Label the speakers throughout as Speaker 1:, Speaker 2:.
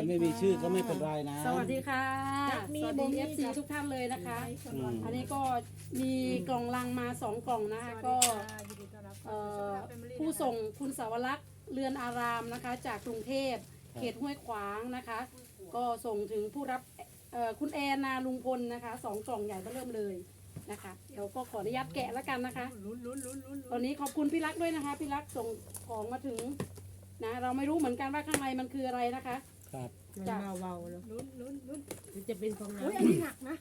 Speaker 1: ไม่มีชื่อก็ไม่เป็นไรนะ
Speaker 2: สวัสดีค่ะสวัสดี FC ทุกท่านเลยนะคะ อันนี้ก็มีกล่องลังมา2กล่องนะคะก็ผู้ส่งคุณสาวรักษ์เรือนอารามนะคะจากกรุงเทพเขตห้วยขวางนะคะ ก็ส่งถึงผู้รับคุณแอนนาลุงพลนะคะ2กล่องใหญ่เริ่มเลยนะคะเดี๋ยวก็ขออนุญาตแกะแล้วกันนะคะตอนนี้ขอบคุณพี่รักด้วยนะคะพี่รักส่งของมาถึงนะเราไม่รู้เหมือนกันว่าข้างในมันคืออะไรนะคะ
Speaker 1: ครับ
Speaker 2: จาก
Speaker 3: เบาๆแล้วลุ้นจะเป็นของน้ำ
Speaker 2: อุ้ยอันนี้หนักนะ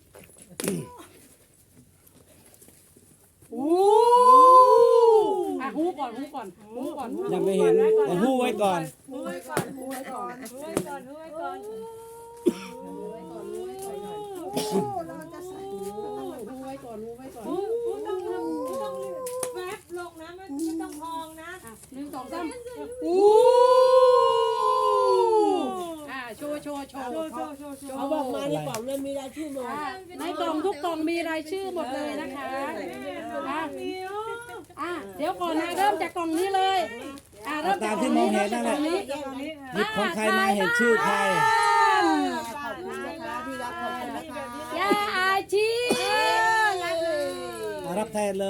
Speaker 2: โอ้อ่ะหูก่อนหูก่อนหูก่อน
Speaker 1: ยังไม่เห็นแต่หู้ไว้ก่อน
Speaker 2: หูไว้ก่อนหูไว้ก่อนหูไว้ก่อนหูไว้ก่อนหูไว้ก่อนหูไว้ก่อนเราจะใส่หูไว้ก่อนหูไว้ก่อน
Speaker 3: ต้องแวบลงนะไม่ต้องพองนะ
Speaker 2: 1 2 3โอ้โชว์
Speaker 3: เขาบอกมาในกล่องเลยมีรายชื่อหมด
Speaker 2: ในกล่องทุกกล่องมีรายชื่อหมดเลยนะคะเดี๋ยวก่อนนะเริ่มจากกล่องนี้เลยเริ่ม
Speaker 1: ตา
Speaker 2: จาก
Speaker 1: มที่มองเห็นนั่นแหละหยิบของใครมาเห็นชื่อใคร
Speaker 3: ขอบคุณนะคะที่รับขอบคุณนะคะ
Speaker 2: ยาอาชี
Speaker 1: รับแทนเลย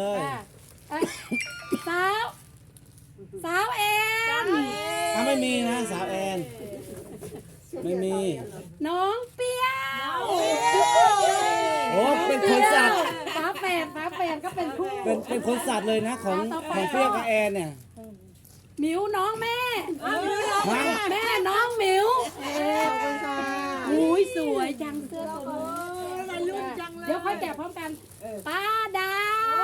Speaker 2: สาวแอน
Speaker 1: ไม่มีนะสาวแอนไม่มี
Speaker 2: น้องเปียว
Speaker 1: โอ้เป็นคนสัตว์
Speaker 2: ฝาแฝดก็เป็นคู่
Speaker 1: เป็นคนสัตว์เลยนะของเปรี้ยวกับแอนเนี่ย
Speaker 2: หมิวน้องแม่
Speaker 1: ฮะ
Speaker 2: แม่น้องหมิว
Speaker 3: ขอบคุณค่ะ
Speaker 2: อุ้ยสวยจังเสื้อตัวนี้เดี๋ยวค่อยแกะพร้อมกันป้าดาว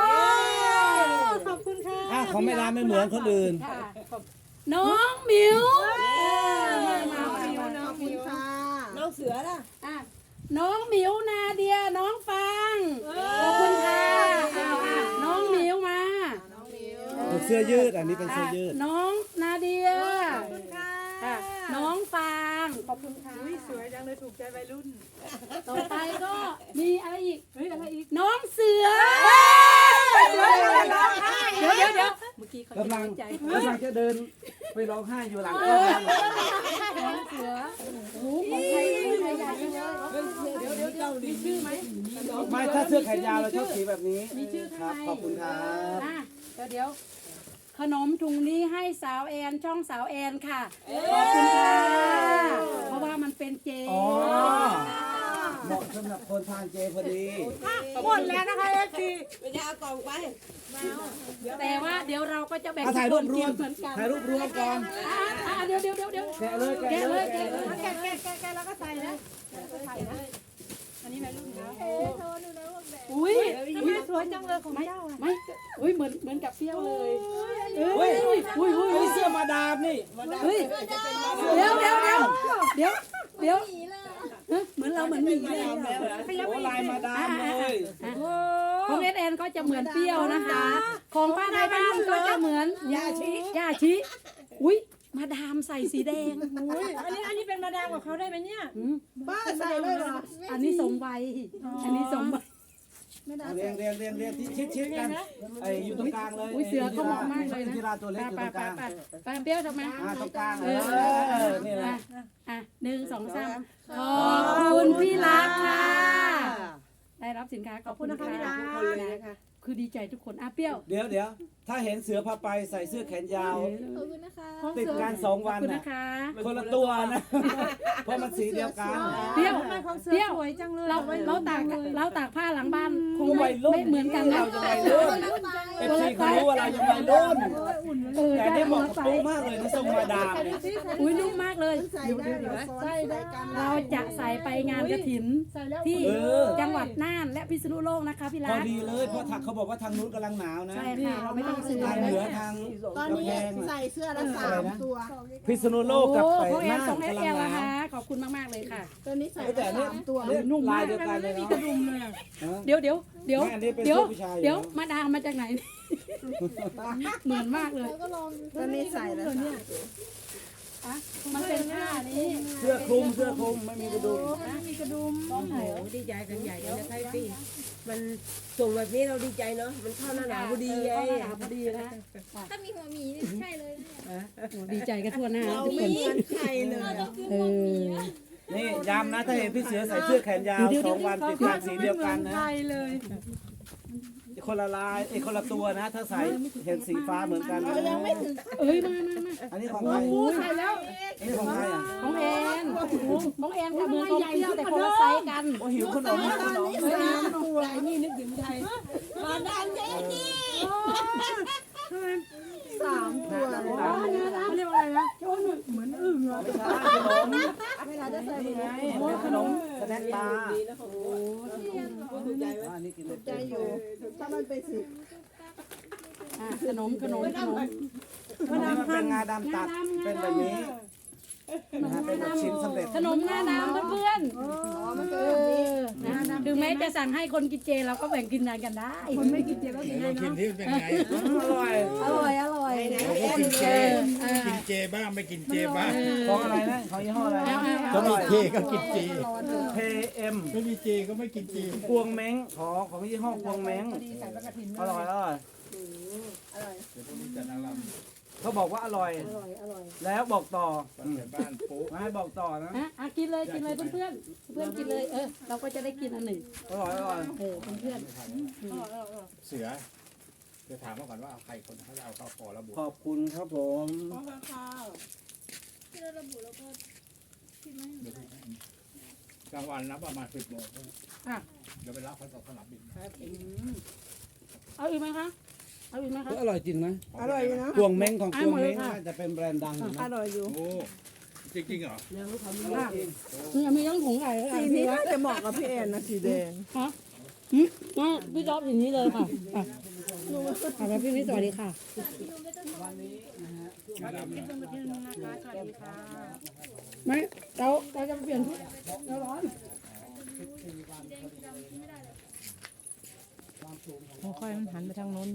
Speaker 3: ขอบคุณค่ะ
Speaker 1: ของไม่ร้านไม่เหมือนคนอื่น
Speaker 2: ค่ะน้องหมิว
Speaker 3: น้องมิวน้องมิวค่ะน้องเสือล่ะ
Speaker 2: น้องหมิวนาเดียน้องฟังขอบคุณค่ะน้องหมิวมา
Speaker 1: เป็นเสื้อยืดอันนี้เป็นเสื้อยืด
Speaker 2: น้องนาเดีย
Speaker 3: ขอบคุณค่ะ
Speaker 2: น้องฟางขอบคุณค่ะ
Speaker 3: สวยจังเลยถูกใจวัยรุ่น
Speaker 2: ต่อไปก็มีอะไรอีกอะไรอีกน้องเสือเดี๋ยวเมื่อกี้เขาจะ
Speaker 1: กำลัง
Speaker 2: ใจ
Speaker 1: จะเดินไปร้องไห้อยู่หลัง
Speaker 2: น้องเสือโอ้โหของใครใหญ่จังเลยเดี๋ยวมีชื่อไหม
Speaker 1: ไม่ถ้าเสื้อแขนยาวเราชอบสีแบบนี้
Speaker 2: มีชื่อ
Speaker 1: ค
Speaker 2: ข้าง
Speaker 1: รับ
Speaker 2: ใน
Speaker 1: ขอบคุณครับ
Speaker 2: เดี๋ยวขนมถุงนี้ให้สาวแอนช่องสาวแอนค่ะขอบคุณค่ะเพราะว่ามันเป็นเจ
Speaker 1: อ๋อเหมาะสำหรับคนทานเจพอดี
Speaker 3: หมดแล้วนะคะเอฟซีไปจะเอากล่องไป
Speaker 2: แต่ว่าเดี๋ยวเราก็จะแบ่ง
Speaker 1: ถ่ายรูปรวม
Speaker 2: เหมือนกัน
Speaker 1: ถ่ายรูปรวมก่อน
Speaker 2: เดี๋ยว
Speaker 1: แกะเลย
Speaker 2: แกะเลย
Speaker 3: แกแล้วก็ใส่นะอันนี้วัยรุ่นแล้ว
Speaker 2: อุ้ย
Speaker 3: สวยจังเลยของเจ้า
Speaker 2: ไม่อุ้ยเหมือนกับเปรี้ยวเลย
Speaker 1: เฮ้ยเฮ้ยเสื้อมาดามนี่
Speaker 2: เฮ้ยเดี๋ยวเหมือนเราเหมือนหมีเลย
Speaker 1: โอ้ลายมาดามเลย
Speaker 2: ของเอสก็จะเหมือนเปรี้ยวนะคะ ของป้าในบ้านก็จะเหมือนยาชิอุ้ยมาดามใส่สีแดง
Speaker 3: อันนี้เป็นมาดามกับเขาได้ไหมเนี่ย
Speaker 2: ป้าใส่เลยเหรออันนี้สมวัยอันนี้สมวัย
Speaker 1: เรียงที่ชิดกันไอ้อยู่ตรงกลางเลย
Speaker 2: อุ้ยเสือเขาเหมาะมากเลยนะ
Speaker 1: ที่ราตัวเล็กอยู่ตรงกลาง
Speaker 2: ไปเปรี้ยวทำไม
Speaker 1: ตรงกลางนี่แหละ
Speaker 2: 1 2 3ขอบคุณพี่รักค่ะ ได้รับสินค้าขอบคุณนะคะพี่รักคือดีใจทุกคนเปรี้ยว
Speaker 1: เดี๋ยวถ้าเห็นเสือพาไปใส่เสื้อแขนยาว
Speaker 4: ขอบคุณนะคะ
Speaker 1: ติดกัน2
Speaker 2: ขอบ
Speaker 1: วัน
Speaker 2: คุณ
Speaker 1: นะ
Speaker 2: นะคะ
Speaker 1: คนละตัวนะเพราะมันสีเดียวกัน
Speaker 2: เปรี้ยว
Speaker 3: ของเสือสวยจังเลย
Speaker 2: เราตากผ้าหลังบ้านคง
Speaker 1: วัยรุ่น
Speaker 2: ไม่เหมือนกันนะ
Speaker 1: เราจะวัยรุ่นเอฟซีเขารู้ว่าเรายังวัยรุ่นแต่ได้เหมาะกับตู้มากเลยนะทรงมาดามเนี่ย
Speaker 2: อุ้ยนุ่มมากเลย
Speaker 3: ใส่ได้
Speaker 2: เราจะใส่ไปงานกระถินที่จังหวัดน่านและพิษณุโลกนะคะพี่
Speaker 1: พ
Speaker 2: รั
Speaker 1: อก ดีเลยเพราะเขาบอกว่าทางนู้นกำลังหนาวนะ
Speaker 2: ใช่ค่ะเราไม่ต้องซื้อ
Speaker 1: ทางเหนือทาง
Speaker 3: ตอน
Speaker 1: กำ
Speaker 3: นี้
Speaker 1: แพง
Speaker 3: ใส่เสื้อละ3 ตัว
Speaker 1: พิษณุโล
Speaker 2: โอ้
Speaker 1: กกับ
Speaker 2: ของ
Speaker 1: ไป
Speaker 2: แอน
Speaker 1: น่าน
Speaker 2: ส่งให้
Speaker 1: กำลั
Speaker 2: แอง น
Speaker 1: ห
Speaker 2: นะ
Speaker 1: นาว
Speaker 2: คะขอบคุณมากๆเลยค่ะ
Speaker 3: ตัวนี้ใส่
Speaker 1: แต่เนี่ย
Speaker 3: 3 ตัว
Speaker 2: นุ่มมาก
Speaker 1: ลายเดียวกันเลยเนาะ
Speaker 2: เดี๋ยว
Speaker 1: ไม่อันนี้เป็นเสื้อผู้ชายอยู่
Speaker 2: เดี๋ยวมาดามมาจากไหน เหมือนมากเลย
Speaker 4: แล้วก็ลอง
Speaker 3: ตัวนี้ใส่แล้ว
Speaker 2: มันเป็นผ้านี้
Speaker 1: เสื้อคลุมไม่มีกระดุม
Speaker 3: มีกระดุมโอ้โหดีใจกันใหญ่เลยนะคะพี่มันส่งแบบนี้เราดีใจเนาะมันเข้าหน้าหนาวพอดีไง
Speaker 2: หนาวพอดีนะ
Speaker 4: ถ้ามีหัวหมีนี่ใช่เลยนะเนี่ย
Speaker 2: ดีใจกันทั่วหน้าทุกคน
Speaker 3: เหมือนใครเลย
Speaker 2: เออ
Speaker 1: ย้ำนะถ้าเห็นพี่เสือใส่เสื้อแขนยาว2 วันติดกันสีเดียวกันนะ
Speaker 2: ใช่เลย
Speaker 1: คนละลายคนละตัวนะ ถ้าใส่เห็นสีฟ้าเหมือนกันนะ
Speaker 2: เอ้ยมา
Speaker 1: อันนี้ของใคร
Speaker 2: ใส่แล้ว
Speaker 1: อันนี้ของใครอ่ะ
Speaker 2: ของแอนของแอนกับเหมือนของเที่ยวแต่คนละไซส์กัน
Speaker 1: โอ้หิวขนมขนม
Speaker 3: ตัวนี่นึกถึงไทย
Speaker 4: มาดามเจนี่
Speaker 3: 3 ตัว
Speaker 2: เขาเรียกว่าอะไรนะ
Speaker 1: ไม่ใช่ขนม
Speaker 4: เวลาจะใส่
Speaker 1: นี่ไงเป็นขนมสแน็คบาร์อันนี้กินใจอยู่
Speaker 3: ถ้ามันเป็นสี
Speaker 2: ขนม
Speaker 1: อันนี้มันเป็นงาดำตัดเป็นแบบนี้นะฮะเป็นแบบชิ้นสำเร็จ
Speaker 2: ขนมหน้าน้ำเพื่อนๆถึงแม้จะสั่งให้คนกินเจเราก็แบ่งกินกันได้คนไม่กินเจก็กินได้
Speaker 5: กิน
Speaker 2: เนาะ
Speaker 5: ที่เป็นไง
Speaker 1: อร่อย
Speaker 2: อร่อย
Speaker 5: เราก็กินเจ กินเจบ้างไม่กินเจบ้าง
Speaker 1: ของอะไรนะของยี่ห้ออะไรนะ
Speaker 5: ก็มีเจก็กินเจ
Speaker 1: KM
Speaker 5: ไม่มีเจก็ไม่กินเจ
Speaker 1: พวงเม้งของยี่ห้อพวงเม้งอร่อย
Speaker 5: เดี๋ยวพรุ่งนี้จัดอาราม
Speaker 1: เขาบอกว่าอร่อย แล้วบอกต่อ
Speaker 5: ตอนเสร็จบ้านปุ๊บ
Speaker 1: มาให้บอกต่อนะ
Speaker 2: กินเลยเพื่อนกินเลยเราก็จะได้กินอันหนึ่ง
Speaker 1: อร่อย
Speaker 2: เพื่อน
Speaker 5: เสือจะถามมาก่อนว่าเอาใครคนเขาจะเอาเข้าคอระบุ
Speaker 1: ขอบคุณครับผม
Speaker 4: ที่เราระบุแล้วก็พิมพ์ไม่
Speaker 5: กลางวันนะประมาณ10 โมง
Speaker 2: อ่ะ
Speaker 5: เดี๋ยวไปรับเขาจากสนามบิน
Speaker 2: เอาอีกไหมคะเอาอีกไหมคะ
Speaker 1: อร่อยจริงนะ
Speaker 3: อร่อยอยู่นะ
Speaker 1: พวงเม้งของพวงเม้งน่าจะเป็นแบรนด์ดังอยู่
Speaker 3: อ
Speaker 1: นะ
Speaker 3: ร่อยอยู่
Speaker 5: โอ้จริงๆเหรอ
Speaker 2: นี่มีทั้งถุงใหญ่
Speaker 3: สีนี้น่าจะเหมาะกับพี่แอนนะสีแดง
Speaker 2: ฮะพี่จ๊อบอย่างนี้เลยค่ะแล้วพี่นิดสวัสดีค่ะ
Speaker 5: มาดามเนี่ย
Speaker 2: ไม่เราจะเปลี่ยนชุดเราร้อน
Speaker 3: ค่อยๆมันหันไปทางโน้น